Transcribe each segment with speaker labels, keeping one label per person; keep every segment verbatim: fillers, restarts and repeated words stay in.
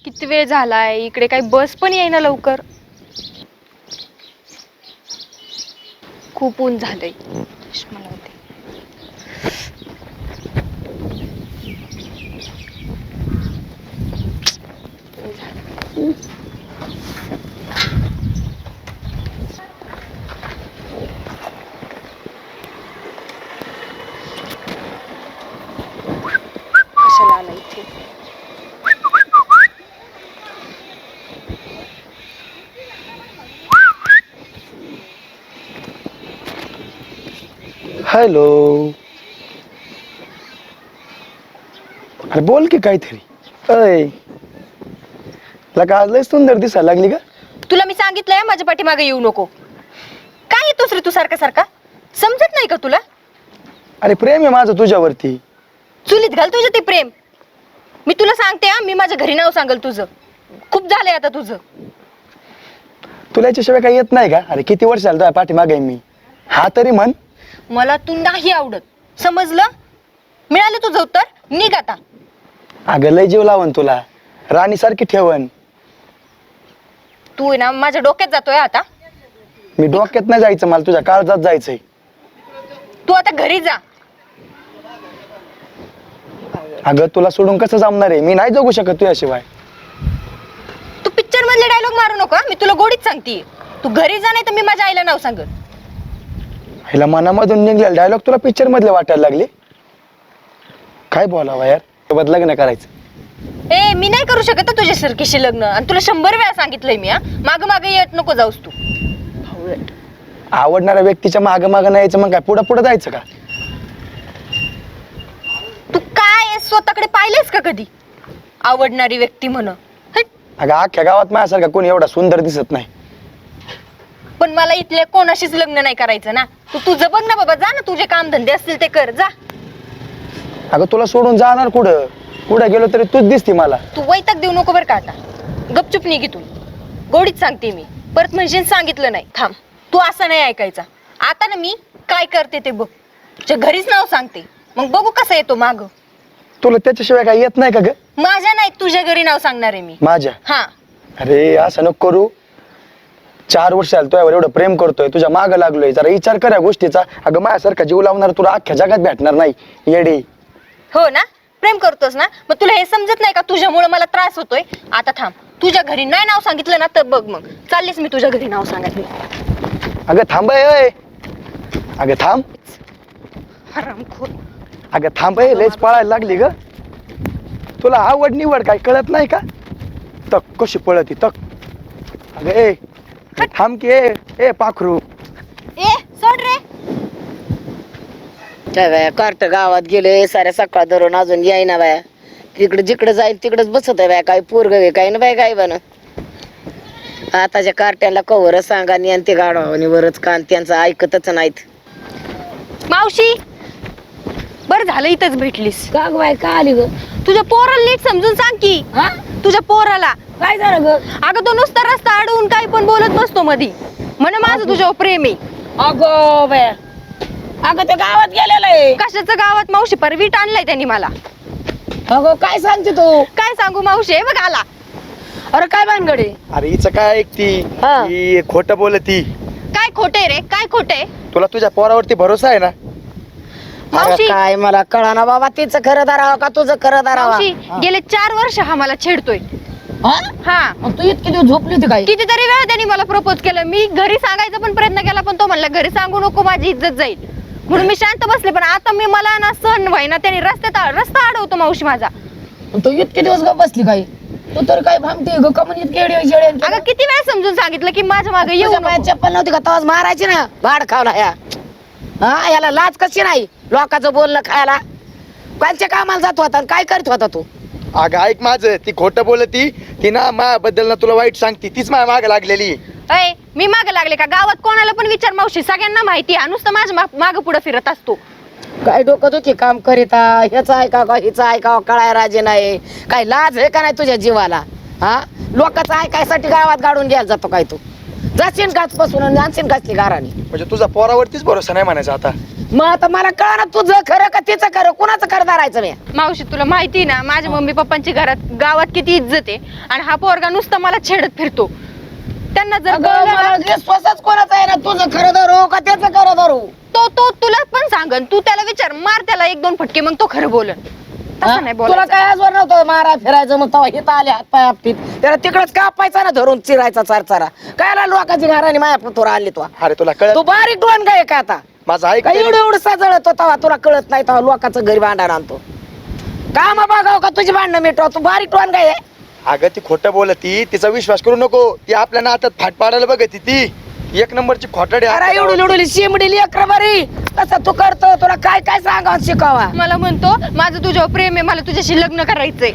Speaker 1: किती वेळ झालाय, इकडे काही बस पण येईना लवकर. खूप ऊन झालंय. मला होते. कशाला आला इथे?
Speaker 2: हॅलो. अरे बोल की काहीतरी. अय लगा आज लय सुंदर दिसायला लागली का?
Speaker 1: तुला मी सांगितलंय माझ्या पाठीमागे येऊ नको. काय येतोस रे तू सारखा सारखा? समजत नाही का तुला?
Speaker 2: अरे प्रेम आहे माझं तुझ्यावरती.
Speaker 1: चुलीत घाल तुझं ते प्रेम. मी तुला सांगते हा, मी माझ्या घरी नाव सांगल तुझं. खूप झालंय आता तुझं.
Speaker 2: तुला याच्याशिवाय काही येत नाही का? अरे किती वर्ष झालं तुझ्या पाठीमागे मी. हा तरी म्हण.
Speaker 1: मला तू नाही आवडत, समजलं? मिळालं तुझं उत्तर, निघ आता.
Speaker 2: अगं लय जीव लावण तुला, राणी सारखी ठेवण.
Speaker 1: तू आहे ना माझ्या डोक्यात जातोय आता.
Speaker 2: मी डोक्यात नाही जायचं, मला तुझ्या काळजात जायचंय.
Speaker 1: तू आता घरी जा.
Speaker 2: अगं तुला सोडून कसं जमणार आहे? मी नाही जगू शकत तुझ्याशिवाय.
Speaker 1: तू पिक्चर मधले डायलॉग मारू नको. मी तुला गोडीत सांगते, तू घरी जा, नाही तर मी माझ्या आईला नाव सांगल.
Speaker 2: हिला मनामधून निघलेला डायलॉग तुला पिक्चर मधले वाटायला लागले. काय बोलावं यार, सोबत लग्न करायचं.
Speaker 1: ए मी नाही करू शकत तुझ्या सरकीशी लग्न. आणि तुला शंभर वेळा सांगितलंय मी. हा माग माग येत नको जाऊस तू.
Speaker 2: आवडणाऱ्या व्यक्तीच्या माग माग नाही यायचं, मग काय पुढं पुढं जायचं का?
Speaker 1: तू काय स्वतःकडे पाहिलेस का कधी? आवडणारी व्यक्ती म्हण.
Speaker 2: अगं अख्ख्या गावात माझ्यासारखा कोणी एवढा सुंदर दिसत नाही.
Speaker 1: पण मला इथल्या कोणाशीच लग्न नाही करायचं ना. तू तुझं बघ ना बाबा, जा ना. तुझे काम धंदे असतील ते कर, जा.
Speaker 2: अगं तुला सोडून जाणार कुठं? कुठं गेलो तरी तूच दिसती मला.
Speaker 1: तू वैताग देऊ नको बरं का आता. गपचूप निघ इथून. गोडीत सांगते मी. परत म्हणजे सांगितलं नाही. थांब, तू असं नाही ऐकायचा. आता ना मी काय करते ते बघ. तुझ्या घरीच नाव सांगते, मग बघू कसं येतो माग.
Speaker 2: तुला त्याच्याशिवाय काही येत नाही का ग?
Speaker 1: माझ्या नाही, तुझ्या घरी नाव सांगणार आहे मी.
Speaker 2: माझ्या?
Speaker 1: हा.
Speaker 2: अरे असं नको करू. चार वर्ष झालं तुझ्यावर एवढं प्रेम करतोय, तुझ्या माग लागलोय. जरा विचार कर या गोष्टीचा. अगं माझ्यासारखा जीव लावणार तुला अख्ख्या जगात भेटणार नाही येडी.
Speaker 1: हो ना, प्रेम करतोस ना. मग तुला हे समजत नाही का तुझ्यामुळे मला त्रास होतोय? आता थांब, तुझ्या घरी नाही नाव सांगितलं ना तर बघ मग चाललीस मी तुझ्या घरी नाव सांगायला.
Speaker 2: अगं थांब अय. अगं थांब.
Speaker 1: हरामखोर.
Speaker 2: अगं थांब अय, लयच पळायला लागली ग. तुला आवड निवड काय कळत नाही का? तक कशी पळती तक. अगं ए थांब की. ए ए पाखरू.
Speaker 1: ए सोड रे.
Speaker 3: काय बाया कार्ट गावात गेले साऱ्या सकाळ धरून अजून यायना बाया. तिकडे जिकडे जाईल तिकडेच बसत आहे बाया. काय पोरग आहे काय ना बाय काय बन. आताच्या कार्ट्याला कवर सांगा आणि ते गाडवानी वरच कान त्यांचं ऐकतच नाहीत.
Speaker 1: मावशी, बरं झालं इथंच भेटलीस.
Speaker 3: का ग बाय का आली ग?
Speaker 1: तुझ्या पोराला नीट समजून सांग की.
Speaker 3: हा
Speaker 1: तुझ्या पोराला
Speaker 3: काय झालं ग?
Speaker 1: अगं तो नुसता रस्ता अडवून काही पण बोलत बसतो मधी. म्हण माझं तुझ्यावर प्रेम आहे.
Speaker 3: अगो बाया, अगं ते गावात गेलेलं आहे.
Speaker 1: कशाचं गावात मावशी? परवीट आणलाय त्यांनी मला.
Speaker 3: अगो काय सांगते तू?
Speaker 1: काय सांगू मावशी, हे बघ आला.
Speaker 3: अरे काय भानगडे?
Speaker 2: अरे हिचं काय ऐकती?
Speaker 3: हा.
Speaker 2: ही खोटं बोलती.
Speaker 1: काय खोटे रे, काय खोटे?
Speaker 2: तुला तुझ्या पोरावरती भरोसा आहे ना?
Speaker 1: मावशी,
Speaker 3: काय मला कळाना बाबा, तिचं खरं धरावं का तुझं खरं धरावं?
Speaker 1: मावशी गेले चार वर्ष हा मला छेडतोय.
Speaker 3: हा?
Speaker 1: हा,
Speaker 3: मग तू इतकी दिवस झोपली होती काय?
Speaker 1: कितीतरी वेळा त्यांनी मला प्रपोज केलं. मी घरी सांगायचा पण प्रयत्न केला, पण तो म्हणला घरी सांगू नको, माझी इज्जत जाईल. म्हणून मी शांत बसले. पण आता मी मला ना सहन व्हायना. त्यांनी रस्त्यात रस्ता अडवतो मावशी माझा.
Speaker 3: तू इतके दिवस ग बसली काय? तू तर काय भामते ग कमन इतके येडे येडे
Speaker 1: अगं किती वेळा समजून सांगितलं की माझ्या मागे येऊ नको.
Speaker 3: चप्पल नव्हती का तवाच मारायची ना? भाड खावला ह्या. हा याला लाज कशी नाही लोकांचं बोलणं खायला? कोणच्या कामाला जात होता आणि काय करत होता तू?
Speaker 2: अगं ऐक माझं, ती खोटं बोलती. ती ना माझ्याबद्दल ना तुला वाईट सांगती. तीच माझ्या माग लागलेली.
Speaker 1: अय मी मागे लागले का? गावात कोणाला पण विचार मावशी, सगळ्यांना माहिती आहे. नुसतं माझ्या माग पुढे फिरत असतो.
Speaker 3: काय डोकं दुखी काम करीता? ह्याचं ऐका का हिचं ऐका कळाय राजे नाही? काय लाज आहे का नाही तुझ्या जीवाला? हा लोकांचं ऐकायसाठी गावात गाडून घ्यायला जातो काय तू? जाशील गाच पासून आणि आणशील गाचली गारानी.
Speaker 2: म्हणजे तुझा पोरावरतीच भरोसा नाही म्हणायचा आता?
Speaker 3: मग आता मला कळ ना तुझं खरं का तिचं खरं कुणाचं खरं धरायचं मी
Speaker 1: मावशी तुला माहिती ना माझ्या मम्मी पप्पांची घरात गावात किती इज्जत आहे आणि हा पोरगा नुसता मला छेडत फिरतो. त्यांना जर
Speaker 3: अगं,
Speaker 1: कळलं
Speaker 3: मला
Speaker 1: ना,
Speaker 3: विश्वासच कोणाचा आहे ना तुझं खरं धरू का त्याचं खरं धरू
Speaker 1: तो तो तुला पण सांगन. तू त्याला विचार, मार त्याला एक दोन फटके, मग तो खरं बोलन.
Speaker 3: हा?
Speaker 1: तसं नाही
Speaker 3: तुला
Speaker 1: बोलायचं.
Speaker 3: काय आजवर नव्हतं मारा फिरायचं मग तेव्हा हिथं आले हात पाय आपटीत त्याला तिकडच कापायचा ना धरून चिरायचा चार चारा काय लोकांची घराने माया पुतोर आणली तू
Speaker 2: अरे तुला कळत
Speaker 3: तू बारीक डोन काय का आता
Speaker 2: माझं ऐक
Speaker 3: काय
Speaker 2: तरी.
Speaker 3: एवढं एवढं सजळत तेव्हा तुला कळत नाही तेव्हा लोकांचं घरी भांडण आणतो काम बघाव का तुझी भांडणं मिटवा तू बारीक डोन काय आहे?
Speaker 2: अगं ती खोटं बोलती, तिचा विश्वास करू नको. ती आपल्या नात्यात फाट पाडायला बघती. ती एक नंबरची खोटाडी आहे.
Speaker 3: अरे एवढी एवढी शिमडी लेकर बरी तसं तू करतो तुला काय काय सांगा शिकावा
Speaker 1: मला म्हणतो माझं तुझ्यावर प्रेम आहे, मला तुझ्याशी लग्न करायचंय.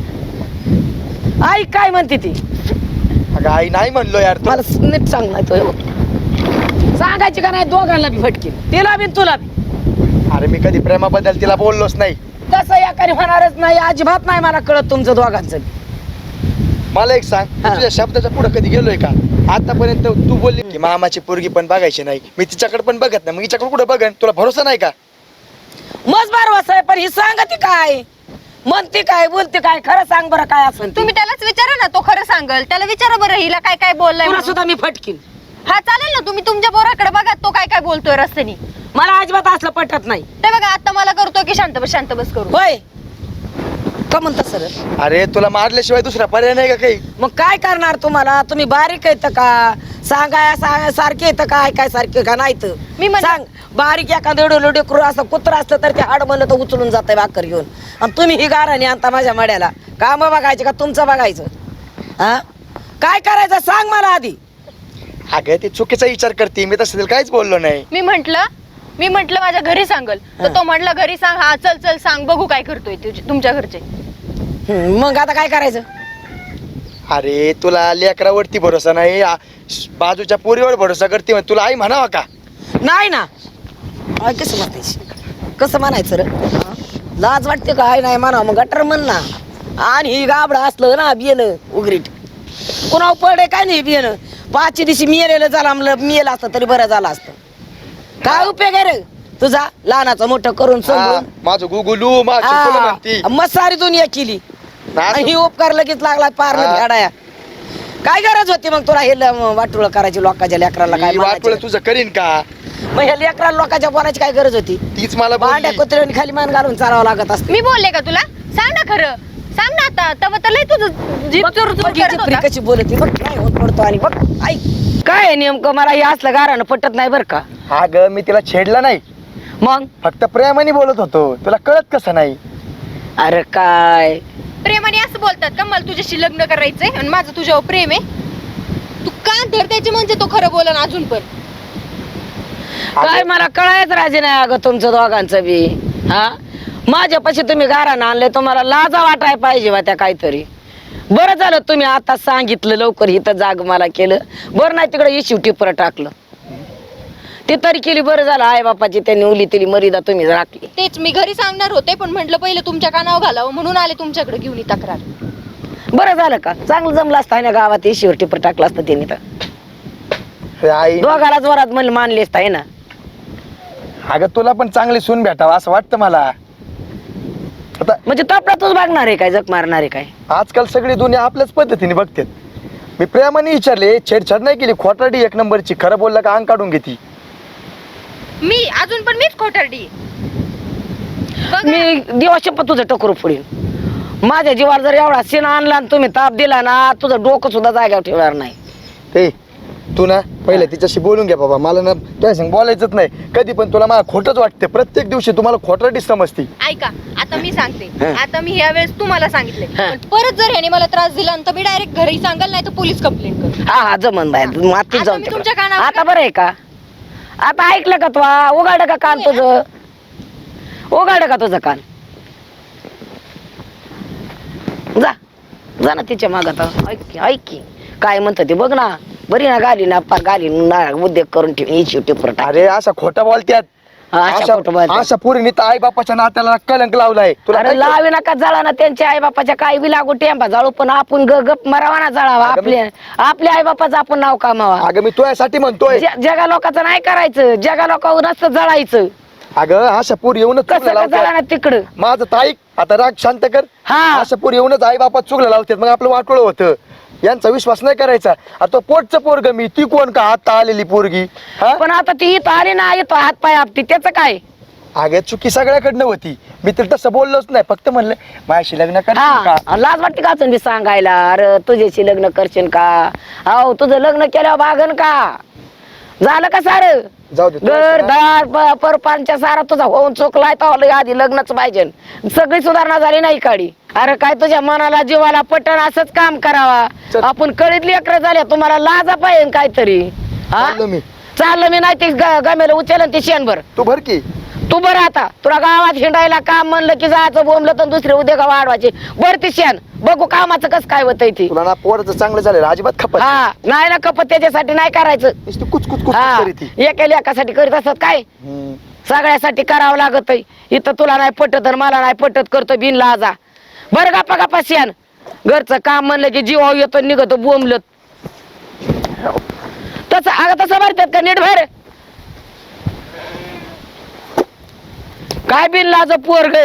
Speaker 3: आई काय म्हणते ती
Speaker 2: अगं आई नाही म्हणलो यार तू.
Speaker 3: मला नीट सांग नाही तो सांगायची का नाही दोघांना बी फटकी तिला बी तुला बी
Speaker 2: अरे मी कधी प्रेमाबद्दल तिला बोललोच नाही.
Speaker 3: तसं एकाने होणारच नाही अजिबात नाही मला कळत तुमचं दोघांचं बी.
Speaker 2: मला एक सांग, मी
Speaker 3: हा.
Speaker 2: तुझ्या शब्दाच्या पुढे कधी गेलोय का? आतापर्यंत तू बोलली की मामाची पोरगी पण बघायची नाही, मी तिच्याकडे पण बघत नाही, मग हिच्याकडे कुठे बघन? तुला भरोसा नाही का?
Speaker 3: मज बारवास आहे पण ही सांगते काय म्हणते काय बोलते काय खरं सांग बरं काय असं
Speaker 1: तुम्ही त्यालाच विचारा ना, तो खरं सांगल. त्याला विचारा बरं हिला काय काय बोललाय
Speaker 3: तुला
Speaker 1: म्हणून.
Speaker 3: सुद्धा मी फटकीन
Speaker 1: हा चालेल ना, तुम्ही तुमच्या पोराकडे बघा तो काय काय बोलतोय रस्त्यानी.
Speaker 3: मला अजिबात असलं पटत नाही
Speaker 1: ते बघा आता मला करतो की शांत बस शांत बस करू.
Speaker 3: होय का म्हणता सर
Speaker 2: अरे तुला मारल्याशिवाय दुसरा पर्याय नाही का काही?
Speaker 3: मग काय करणार तुम्हाला तुम्ही बारीक येतं का सांगाय सांगाय सारखे येतं काय काय सारखे का नाही तर
Speaker 1: मी म्हण-
Speaker 3: सांग बारीक एखादं एवढं लोडे करू असं कुत्र असतं तर ते हाड म्हणलं तर उचलून जातंय भाकर घेऊन आणि तुम्ही ही गाराने आणता माझ्या मड्याला काम बघायचे का तुमचं बघायचं हा काय करायचं सांग मला आधी
Speaker 2: अगं ती चुकीचा विचार करते, मी तसं तिला काहीच बोललो नाही.
Speaker 1: मी म्हंटल मी म्हंटल माझ्या घरी सांगल तर तो म्हटला घरी सांग. हा चल चल सांग बघू काय करतोय तुझे- तुमच्या घरचे.
Speaker 3: हम्म, मग आता काय करायचं
Speaker 2: अरे तुला लेकरावरती भरोसा नाही, आ- बाजूच्या पोरीवर भरोसा करते, मग तुला आई म्हणावा का?
Speaker 3: नाही ना आय कसं म्हणायचं कसं म्हणायचं रे हा? लाज वाटते का आहे नाही म्हणा मग गटर म्हण ना आणि ही गाबडं असलं ना बियन उगरीट कुणा पडे काय नाही बियन पाचशे दिवशी मिळेलं झाला मिळेलं असतं तरी बरं झालं असतं काय उपयोग आहे रे तुझा लहानाचं मोठं करून
Speaker 2: हा,
Speaker 3: समजून
Speaker 2: माझं गुगुलू माझं तुला म्हणती.
Speaker 3: मग सारी दुनिया केली
Speaker 2: ना,
Speaker 3: आणि ही उपकार लगेच लागला पार
Speaker 2: हा.
Speaker 3: फेडाया काय गरज होती मग तुला हे वाटुळ करायची लोकांच्या लेकराला काय
Speaker 2: मी वाटवलं
Speaker 3: म्हणायचं?
Speaker 2: तुझं करीन का?
Speaker 3: मग ह्या लेकराला लोकांच्या बोलायची काय गरज होती
Speaker 2: तीच मला
Speaker 3: भांड्या
Speaker 2: बोलली.
Speaker 3: कुत्र्याने खाली मान घालून चालावं लागत असते
Speaker 1: मी बोलले का तुला? सांग ना खरं सांग ना आता. तव तर लय तुझं जीभ चोर चोर
Speaker 3: बघ,
Speaker 1: करत
Speaker 3: हिची फ्री
Speaker 1: होता.
Speaker 3: कशी बोलती बघ काय होत पडतो आणि बघ ऐक काय आहे नेमकं मला हे असलं गारानं पटत नाही बरं का
Speaker 2: अगं मी तिला छेडला नाही,
Speaker 3: मग
Speaker 2: फक्त प्रेमाने बोलत होतो. तुला कळत कसं नाही?
Speaker 3: अरे काय
Speaker 1: प्रेमाने असं बोलतात का मला तुझ्याशी लग्न करायचंय आणि माझं तुझ्यावर प्रेम आहे? तू कान धर त्याचे म्हणजे तो खरं बोलन अजून पण.
Speaker 3: काय मला कळायच राजे नाही अगं तुमचं दोघांचं बी हा माझ्यापाशी तुम्ही गारानं आणले तुम्हाला लाजा वाटाय पाहिजे बा त्या काहीतरी बरं झालं तुम्ही आता सांगितलं लवकर इथं जाग मला केलं बरं नाही तिकडे इशिव टिपर टाकलं ते तरी केली बरं झालं आई बापाची त्यांनी उली तिली मर्यादा तुम्ही राखली
Speaker 1: तेच मी घरी सांगणार होते पण म्हटलं पहिलं तुमच्या कानावर घालावं म्हणून आले तुमच्याकडे घेऊन ही तक्रार.
Speaker 3: बरं झालं का चांगलं जमलं असतं ना गावात इशिवर टिपर टाकलं असतं त्यांनी तर
Speaker 2: अरे आई,
Speaker 3: दोघाला जोरात म्हणलं मानले असतं आहे ना
Speaker 2: अगं तुला पण चांगली सून भेटावं असं वाटतं मला. आता
Speaker 3: म्हणजे तपडातच बघणार आहे काय जग मारणार आहे काय
Speaker 2: आजकाल सगळी दुनिया आपल्याच पद्धतीने बघते. मी प्रेमाने विचारले, छेडछाड नाही केली. खोटाडी एक नंबरची, खरं बोललं का अंग काढून घेती.
Speaker 1: मी अजून पण मीच खोटारडी. बघा,
Speaker 3: मी दिवस तुझं टकरू फोडीन माझ्या जीवाला जर एवढा सीन आणला आणि तुम्ही ताप दिला ना तुझं डोकं सुद्धा जाग्यावर ठेवणार नाही
Speaker 2: ए तू ना पहिले तिच्याशी बोलून घ्या बाबा. मला ना तुझ्या संग बोलायचंच नाही कधी पण. तुला मला खोटंच वाटते प्रत्येक दिवशी. तुम्हाला खोटाडी समजती.
Speaker 1: ऐका आता मी सांगते.
Speaker 3: हं.
Speaker 1: आता मी ह्या वेळेस तुम्हाला सांगितले
Speaker 3: हं.
Speaker 1: पण परत जर ह्याने मला त्रास दिला तर मी डायरेक्ट घरी सांगाल नाही तर पोलीस कंप्लेंट करू.
Speaker 3: हा हा जमन बाय माती
Speaker 1: आता
Speaker 3: जाऊन
Speaker 1: मी
Speaker 3: तिकडं.
Speaker 1: तुमच्या कानावर-
Speaker 3: आता बरं आहे का आता ऐकलं का तू उघाड का कान तुझं उघाड का तुझं कान जा जा ना तिच्या मागत ऐक की, ऐक की काय म्हणत ते बघ ना बरी ना गाली ना पा गाली ना उद्योग करून ठेवून शेवटी परत
Speaker 2: अरे असा खोटा बोलत्यात. अशा अशा पोरीने तर आई बापाच्या नात्याला कलंक लावलाय. तुला
Speaker 3: अरे
Speaker 2: काय-
Speaker 3: लावे नका जळा ना त्यांच्या आई बापाच्या काही बी लागू टेंबा जाळू पण आपण ग गप मरावा ना जळावा
Speaker 2: अगं मी-
Speaker 3: आपल्या आपल्या आई बापाचं आपण नाव कामावा
Speaker 2: अगं मी तुझ्यासाठी म्हणतोय.
Speaker 3: ज- जगा लोकांचं नाही करायचं जगा लोकांवर नसतं जळायचं
Speaker 2: अगं अशा पोर येऊनच
Speaker 3: कसं
Speaker 2: चुकल्या
Speaker 3: का झालं
Speaker 2: लावतात.
Speaker 3: ना तिकडं
Speaker 2: माझं ताईक आता राग शांत कर.
Speaker 3: हा
Speaker 2: अशा पोर येऊनच आई बापात चुकलं लावतात मग आपलं वाटोळ होतं. यांचा विश्वास नाही करायचा. आता पोटचं पोरग मी ती कोण का आता आलेली पोरगी हा
Speaker 3: पण आता ती इथं आली ना येतो हात पाय आपटी त्याचं काय
Speaker 2: अगं चुकी सगळ्याकडनं होती. मी तर तसं बोललोच नाही. फक्त म्हणलं माझ्याशी लग्न करशील का.
Speaker 3: हा लाज वाटते का अजून बी सांगायला अरे तुझ्याशी लग्न करशील का अहो तुझं लग्न केल्यावर बागन का झालं का सार
Speaker 2: जाऊ दे
Speaker 3: घर दार प- परपांच्या सारा तुझा होऊन चुकलाय तर आधी लग्नच पाहिजे सगळी सुधारणा झाली नाही काढी अरे काय तुझ्या मनाला जीवाला पटन असंच काम करावा
Speaker 2: चल.
Speaker 3: आपण कळीतली अकरा झाल्या तुम्हाला लाजा पाहिजे काहीतरी हा
Speaker 2: चाललो मी.
Speaker 3: चाललं मी नाही ते ग- गमेला उचलन ते शेणभर
Speaker 2: तू भर की
Speaker 3: तू बरं आता तुला गावात हिंडायला काम म्हणलं की जायचं बोंबलं तर दुसरे उद्योग वाढवायचे बर ती शेण बघू कामाचं कसं काय होतंय ती
Speaker 2: तुला ना पोराचं चांगलं झालेलं अजिबात खपत
Speaker 3: हा नाही ना कपत त्याच्यासाठी नाही करायचं
Speaker 2: नुसती कुच कुच कुच
Speaker 3: हा
Speaker 2: करी ती.
Speaker 3: एका लेकासाठी करीत असत काय
Speaker 2: हम्म.
Speaker 3: सगळ्यासाठी करावं लागत इथं तुला नाही पटत आणि मला नाही पटत करतो बिन लाजा बरं गप्पा गप्पा शेण घरचं काम म्हणलं की जीव येतो निघतो बोंबलत तसं अगं तसं भरतात का नीट भर काय बिन लाज पोरग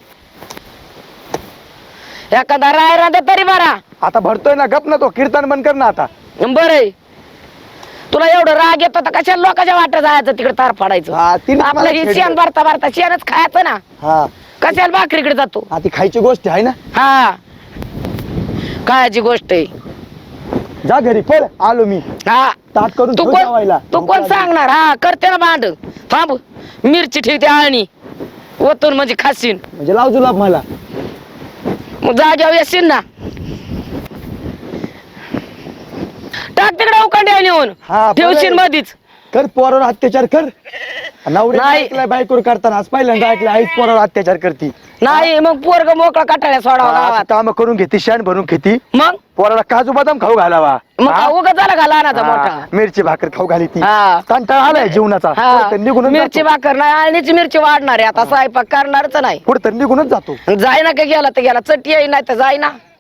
Speaker 3: एखादा राय राहता तरी बरा
Speaker 2: आता भरतोय ना गप ना तो कीर्तन बंद कर ना आता.
Speaker 3: बर तुला एवढं राग येतो तर कशा लोकांच्या वाटत जायचं तिकडे तार
Speaker 2: हा,
Speaker 3: फाडायचं
Speaker 2: तिनेच
Speaker 3: आपलं
Speaker 2: मला
Speaker 3: हे
Speaker 2: छेडलं.
Speaker 3: शेण भरता भरता शेणच खायचं ना
Speaker 2: हा
Speaker 3: कशाला भाकरीकडे जातो
Speaker 2: हा, ती खायची गोष्ट आहे ना.
Speaker 3: हा कायची गोष्ट आहे
Speaker 2: जा घरी पळ आलो मी.
Speaker 3: हा
Speaker 2: ताट करून
Speaker 3: तू
Speaker 2: ठेव
Speaker 3: कोण
Speaker 2: जेवायला.
Speaker 3: तू कोण सांगणार हा करते ना भांड थांब मिरची ठेवते आळणी ओतून म्हणजे खाशीन
Speaker 2: म्हणजे लाव जुलाब मला.
Speaker 3: मग जाग्यावर येशील ना टाक तिकडे उकांड्या नेऊन
Speaker 2: हा,
Speaker 3: ठेवशील
Speaker 2: बरं.
Speaker 3: मधीच
Speaker 2: कर पोरावर अत्याचार कर. नवरे
Speaker 3: नाही.
Speaker 2: ऐकलाय बायकोर करताना आज पहिल्यांदा ऐकलं आईच पोरावर अत्याचार करती.
Speaker 3: नाही मग पोरग मोकळा कटाळ्या सोडावा गावात
Speaker 2: काम करून घेती शान भरून घेती
Speaker 3: मग
Speaker 2: पोराला काजू बदाम खाऊ घालावा.
Speaker 3: मग
Speaker 2: हा?
Speaker 3: उगा झाला का लहानाचा
Speaker 2: हा,
Speaker 3: मोठा
Speaker 2: मिरची भाकर खाऊ घाली ती.
Speaker 3: हा.
Speaker 2: कंटाळा आलाय जीवनाचा.
Speaker 3: हा
Speaker 2: कुठं निघूनच
Speaker 3: मिरची
Speaker 2: जातो.
Speaker 3: भाकर नाही आणिच मिरची वाढणार आहे आता स्वयंपाक करणारच नाही
Speaker 2: कुठं निघूनच जातो.
Speaker 3: जाय ना का गेला तर गेला चटी येई नाही तर जाय ना